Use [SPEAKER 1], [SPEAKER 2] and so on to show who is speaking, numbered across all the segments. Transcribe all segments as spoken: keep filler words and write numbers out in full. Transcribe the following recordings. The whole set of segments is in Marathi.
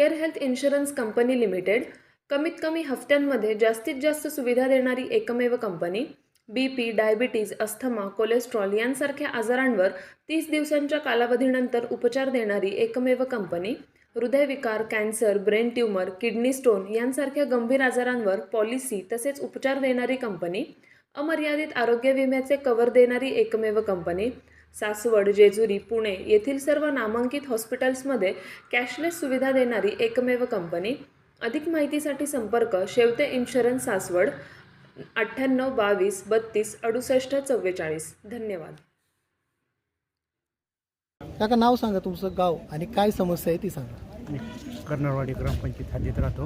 [SPEAKER 1] Care health insurance company limited कमीत कमी हफ्त्यांमध्ये जास्तीत जास्त सुविधा देणारी एकमेव company. B P, diabetes, asthma, cholesterol यांसारख्या आजारांवर तीस दिवसांच्या कालावधीनंतर उपचार देणारी एकमेव कंपनी. हृदयविकार, cancer, brain tumour, kidney stone यांसारख्या गंभीर आजारांवर पॉलिसी तसेच उपचार देणारी कंपनी. अमर्यादित आरोग्य विम्याचे कव्हर देणारी एकमेव कंपनी. सासवड, जेजुरी, पुणे येथील सर्व नामांकित हॉस्पिटल्समध्ये कॅशलेस सुविधा देणारी एकमेव कंपनी. अधिक माहितीसाठी संपर्क शेवते इन्शुरन्स सासवड अठ्ठ्याण्णव बावीस बत्तीस अडुसष्ट चव्वेचाळीस. धन्यवाद.
[SPEAKER 2] काका नाव सांगा, तुमचं गाव आणि काय समस्या आहे ती सांगा.
[SPEAKER 3] मी कर्नळवाडी ग्रामपंचायत हद्दीत राहतो.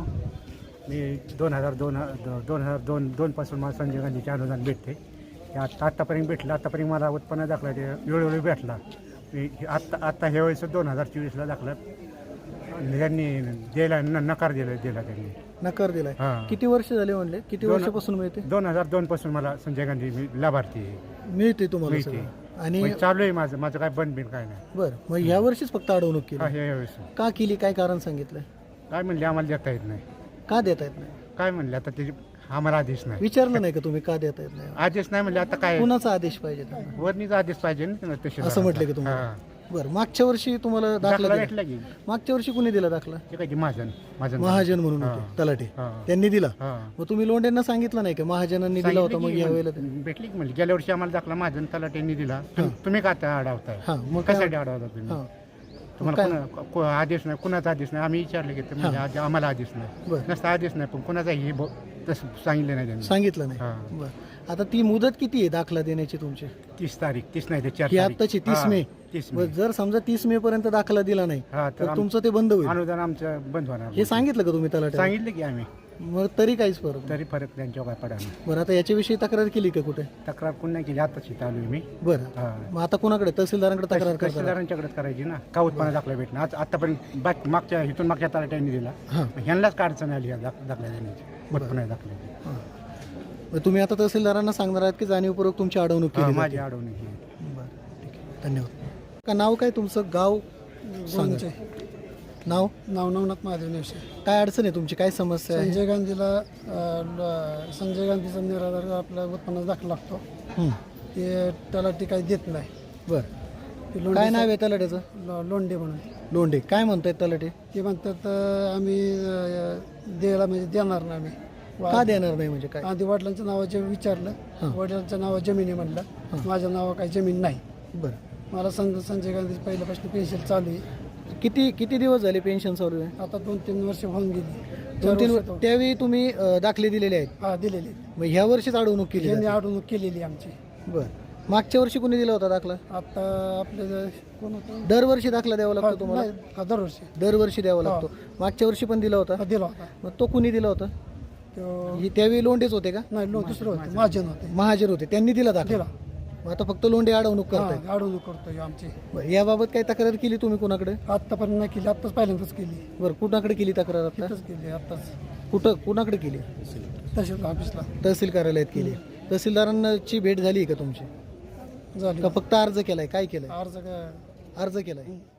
[SPEAKER 3] मी दोन हजार दोन दोन हजार दोन दोनपासून मला संजय गांधीचे अनुदान भेटते. ते आत्ता आत्तापर्यंत भेटलं. आत्तापर्यंत मला उत्पन्न दाखला ते वेळोवेळी भेटला. मी आत्ता आत्ता ह्या वेळेस दोन हजार चोवीसला दाखला त्यांनी द्यायला न नकार दिला दिला त्यांनी
[SPEAKER 2] नकार दिलाय.
[SPEAKER 3] हां.
[SPEAKER 2] किती वर्ष झाले म्हणले, किती
[SPEAKER 3] दोन-
[SPEAKER 2] वर्षापासून मिळते
[SPEAKER 3] दोन हजार दोन पासून मला संजय गांधी मी लाभार्थी आहे.
[SPEAKER 2] मिळते तुम्हाला
[SPEAKER 3] मिळते.
[SPEAKER 2] सगळं? आणि
[SPEAKER 3] म्हणजे चालू आहे माझं माझं काय बंद बिन काय नाही.
[SPEAKER 2] बरं, मग ह्या वर्षीच फक्त अडवणूक
[SPEAKER 3] हा
[SPEAKER 2] केली?
[SPEAKER 3] ह्या वेळेस
[SPEAKER 2] का केली, काय कारण सांगितलंय?
[SPEAKER 3] काय म्हणले आम्हाला देता येत नाही.
[SPEAKER 2] का देता येत नाही?
[SPEAKER 3] काय म्हणले आता ते आम्हाला आदेश नाही.
[SPEAKER 2] विचारलं नाही का तुम्ही का देता येत नाही?
[SPEAKER 3] आदेश नाही म्हणले आता काय
[SPEAKER 2] कुणाचा आदेश पाहिजे त्यांना?
[SPEAKER 3] वरणीचा आदेश पाहिजे ना तसे
[SPEAKER 2] असं म्हटलं की तुम्हाला? बरं, मागच्या वर्षी तुम्हाला दाखला
[SPEAKER 3] दाखला
[SPEAKER 2] दिला?
[SPEAKER 3] भेटला की
[SPEAKER 2] मागच्या वर्षी कुणी दिला दाखला?
[SPEAKER 3] ते काय की महाजन महाजन
[SPEAKER 2] महाजन म्हणून
[SPEAKER 3] हां.
[SPEAKER 2] होते तलाठी,
[SPEAKER 3] हां.
[SPEAKER 2] त्यांनी दिला.
[SPEAKER 3] हां.
[SPEAKER 2] मग तुम्ही लोंढ्यांना सांगितलं नाही का महाजनांनी दिला होता, मग या वेळेला ते-
[SPEAKER 3] भेटली की म्हणजे गेल्या वर्षी आम्हाला दाखला महाजन तलाट्यांनी दिला. तुम- तुम्ही का आता अडवताय?
[SPEAKER 2] हां, मग काय?
[SPEAKER 3] कशासाठी अडवता तुम्ही?
[SPEAKER 2] हां.
[SPEAKER 3] तुम्हाला
[SPEAKER 2] काय?
[SPEAKER 3] कोणा- को- आदेश नाही, कुणाचा आदेश नाही. आम्ही विचारलं की ते म्हणजे आद- आम्हाला आदेश नाही.
[SPEAKER 2] बरं.
[SPEAKER 3] नसता आदेश नाही, पण कुणाचाही ब- तसं सांगितलं नाही त्यांनी.
[SPEAKER 2] सांगितलं नाही.
[SPEAKER 3] हां.
[SPEAKER 2] बरं, आता ती मुदत किती आहे दाखला देण्याची तुमची?
[SPEAKER 3] तीस तारीख तीस नाही ते चार
[SPEAKER 2] ही
[SPEAKER 3] तारीख.
[SPEAKER 2] आत्ताची तीस
[SPEAKER 3] हां,
[SPEAKER 2] मे.
[SPEAKER 3] तीस
[SPEAKER 2] बरं,
[SPEAKER 3] मे
[SPEAKER 2] जर समजा तीस मे पर्यंत दाखला दिला नाही
[SPEAKER 3] हा, तर
[SPEAKER 2] तर
[SPEAKER 3] आम-
[SPEAKER 2] तुमचं ते बंद होईल.
[SPEAKER 3] अनुदान आमचं बंद होणार.
[SPEAKER 2] हे सांगितलं का तुम्ही तलाठी?
[SPEAKER 3] सांगितलं की आम्ही,
[SPEAKER 2] मग तरी काहीच फरक नाही.
[SPEAKER 3] तरी फरक त्यांच्यावर काय पडा नाही.
[SPEAKER 2] बरं, आता याच्याविषयी तक्रार केली का कुठे?
[SPEAKER 3] तक्रार पुन्हा केली, आताच इथं आलोय मी.
[SPEAKER 2] बरं,
[SPEAKER 3] हां.
[SPEAKER 2] मग आता कोणाकडे? तहसीलदारांकडे तक्रार करता?
[SPEAKER 3] तहसीलदारांच्याकडेच करायची ना. का उत्पन्न दाखला भेटणार आज आतापर्यंत बाक मागच्या इथून मागच्या तलाट्यांनी दिला.
[SPEAKER 2] हां.
[SPEAKER 3] ह्यांनाच का अडचण आली या दाख- दाखला देण्याची, उत्पन्न दाखल्याची.
[SPEAKER 2] हां. मग तुम्ही आता तहसीलदारांना सांगणार आहात की जाणीवपूर्वक तुमची अडवणूक
[SPEAKER 3] हां,
[SPEAKER 2] केली
[SPEAKER 3] माझी
[SPEAKER 2] जाते?
[SPEAKER 3] अडवणूक ही.
[SPEAKER 2] बरं, ठीक आहे, धन्यवाद. का नाव काय तुमचं, गाव सांगा. नाव?
[SPEAKER 4] नाव नवनाथ महादेव नेवसे.
[SPEAKER 2] काय अडचण आहे तुमची, काय समस्या आहे?
[SPEAKER 4] संजय गांधीला अ, ल- संजय गांधीचा निराधार आपल्या उत्पन्नाचा दाखला लागतो.
[SPEAKER 2] हं.
[SPEAKER 4] ते तलाठी काही देत नाही.
[SPEAKER 2] बरं,
[SPEAKER 4] ते लोंढे
[SPEAKER 2] काय नाव आहे तलाट्याचं?
[SPEAKER 4] लो- लोंढे म्हणून
[SPEAKER 2] लोंढे. काय म्हणतायत तलाटे?
[SPEAKER 4] ते म्हणतात अ, आम्ही अ, द्यायला म्हणजे देणार नाही आम्ही.
[SPEAKER 2] का देणार नाही म्हणजे काय?
[SPEAKER 4] आधी वडिलांच्या नावाचे विचारलं.
[SPEAKER 2] हां.
[SPEAKER 4] वडिलांच्या नावा जमिनी म्हणलं. माझ्या नावा काही जमीन नाही.
[SPEAKER 2] बरं,
[SPEAKER 4] मला संजय संजय गांधी पहिल्यापासून पेन्शन चालू आहे.
[SPEAKER 2] किती किती दिवस झाले पेन्शन चालू आहे?
[SPEAKER 4] आता दोन तीन वर्ष होऊन गेली.
[SPEAKER 2] दोन तीन
[SPEAKER 4] चार
[SPEAKER 2] वर्ष-
[SPEAKER 4] वर्ष-
[SPEAKER 2] त्यावेळी तुम्ही अ, दाखले दिलेले आहेत,
[SPEAKER 4] हा दिलेली.
[SPEAKER 2] मग ह्या वर्षीच अडवणूक केली
[SPEAKER 4] यांनी
[SPEAKER 2] जाते?
[SPEAKER 4] अडवणूक केलेली आमची.
[SPEAKER 2] बरं, मागच्या वर्षी कुणी दिला होता दाखला?
[SPEAKER 4] आता आपले जे- कोण होतं
[SPEAKER 2] दरवर्षी दाखला द्यावा
[SPEAKER 4] हा,
[SPEAKER 2] लागतो तुम्हाला?
[SPEAKER 4] नाही, हा, दरवर्षी
[SPEAKER 2] दरवर्षी द्यावा लागतो. मागच्या वर्षी पण दिला होता?
[SPEAKER 4] हा, दिला होता.
[SPEAKER 2] मग तो कुणी दिला होता?
[SPEAKER 4] तो
[SPEAKER 2] ही त्यावेळी लोंढेच होते का?
[SPEAKER 4] नाही लो दुसरं होतं महाजन होते.
[SPEAKER 2] महाजर होते, त्यांनी दिला दाखला.
[SPEAKER 4] दिला.
[SPEAKER 2] मग आता फक्त लोंढे अडवणूक करताय?
[SPEAKER 4] हा, अडवणूक करतोय आमची.
[SPEAKER 2] बरं, याबाबत काही तक्रार केली तुम्ही कुणाकडे?
[SPEAKER 4] आत्तापर्यंत नाही केली. आत्ताच पहिल्यांदाच केली.
[SPEAKER 2] बरं, कुणाकडे केली तक्रार आता?
[SPEAKER 4] आत्ताच केली. आत्ताच
[SPEAKER 2] कुठं कुणाकडे केली?
[SPEAKER 4] तहसील ऑफिसला
[SPEAKER 2] तहसील कार्यालयात केली. तहसीलदारांची भेट झाली का तुमची?
[SPEAKER 4] झाली.
[SPEAKER 2] का फक्त अर्ज केलाय? काय केलंय?
[SPEAKER 4] अर्ज काय
[SPEAKER 2] अर्ज केलाय.